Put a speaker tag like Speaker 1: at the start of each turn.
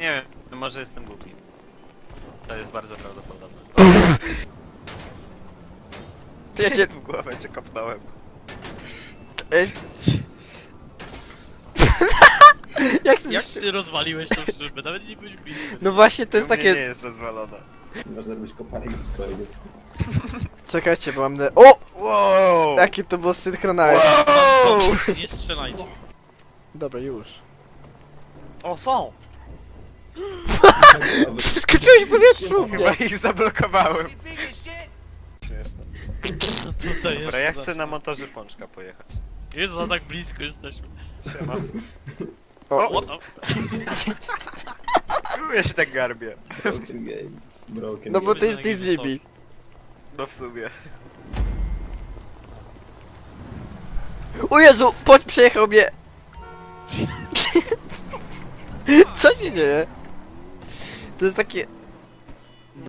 Speaker 1: Nie wiem, może jestem głupi. To jest bardzo prawdopodobne.
Speaker 2: Ty jedzie...
Speaker 1: W głowę cię kopnąłem.
Speaker 2: Jak
Speaker 3: Jak ty rozwaliłeś tą szybę? Nawet nie byłeś blisko.
Speaker 2: No właśnie, to jest
Speaker 1: U mnie nie
Speaker 2: takie...
Speaker 1: jest rozwalona.
Speaker 4: Można robić kopalnik do twojego.
Speaker 2: Czekajcie, bo mam... O!
Speaker 1: Wow!
Speaker 2: Jaki to było synchronalne.
Speaker 3: Nie strzelajcie.
Speaker 2: Dobra, już.
Speaker 1: O, są!
Speaker 2: Skoczyłeś w powietrzu!
Speaker 1: Chyba ich zablokowałem. Śmieszne.
Speaker 3: No tutaj
Speaker 1: Dobra, ja
Speaker 3: jeszcze
Speaker 1: chcę na motorze pączka pojechać.
Speaker 3: Jezu, no tak blisko jesteśmy.
Speaker 1: Siema.
Speaker 2: O,
Speaker 3: O,
Speaker 1: Ja się tak garbię.
Speaker 4: Broken game. Broken
Speaker 2: no bo
Speaker 4: game.
Speaker 2: to jest Dizibi.
Speaker 1: No w sumie.
Speaker 2: O Jezu, przejechał mnie! Co się dzieje? To jest takie...